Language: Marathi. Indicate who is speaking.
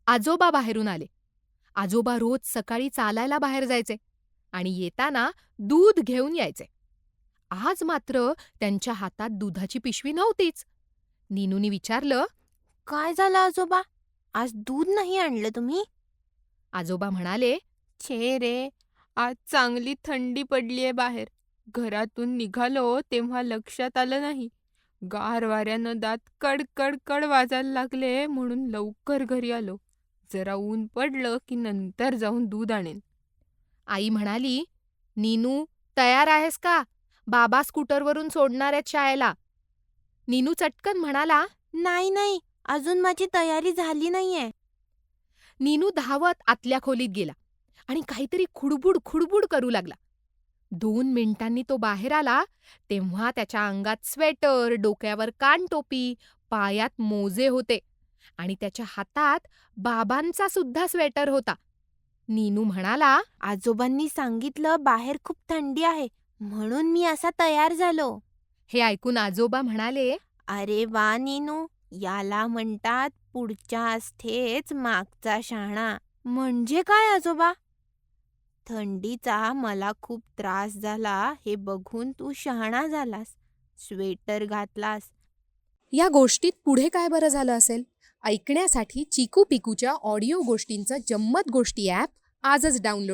Speaker 1: आजोबा बाहेरून आले. आजोबा रोज सकाळी चालायला बाहेर जायचे आणि येताना दूध घेऊन यायचे. आज मात्र त्यांच्या हातात दुधाची पिशवी नव्हतीच. नीनूने विचारलं,
Speaker 2: काय झालं आजोबा? आज दूध नाही आणलं तुम्ही?
Speaker 1: आजोबा म्हणाले,
Speaker 3: छे रे, आज चांगली थंडी पडलीये बाहेर. घरातून निघालो तेव्हा लक्षात आलं नाही. गार वाऱ्यानं दात कड वाजायला लागले म्हणून लवकर घरी आलो. जरा ऊन पडलं की नंतर जाऊन दूध आणेन.
Speaker 1: आई म्हणाली, नीनू तयार आहेस का? बाबा स्कूटरवरून सोडणार आहेत शाळेला. नीनू चटकन म्हणाला,
Speaker 2: नाही नाही, अजून माझी तयारी झाली नाहीये.
Speaker 1: नीनू धावत आतल्या खोलीत गेला आणि काहीतरी खुडबुड खुडबुड करू लागला. 2 मिनिटांनी तो बाहेर आला तेव्हा त्याच्या अंगात स्वेटर, डोक्यावर कानटोपी, पायात मोजे होते आणि त्याच्या हातात बाबांचा सुद्धा स्वेटर होता. नीनू म्हणाला,
Speaker 2: आजोबांनी सांगितलं बाहेर खूप थंडी आहे, म्हणून मी असा तयार झालो.
Speaker 1: हे ऐकून आजोबा म्हणाले,
Speaker 2: अरे वा नीनू, याला म्हणतात पुढच्या आस्थेच मागचा शहाणा. म्हणजे काय आजोबा? थंडीचा मला खूप त्रास झाला हे बघून तू शहाणा झालास, स्वेटर घातलास.
Speaker 1: या गोष्टीत पुढे काय बरं झालं असेल? ऐकण्यासाठी चिकू पिकूच्या ऑडिओ गोष्टींचं जम्मत गोष्टी ॲप आजच डाउनलोड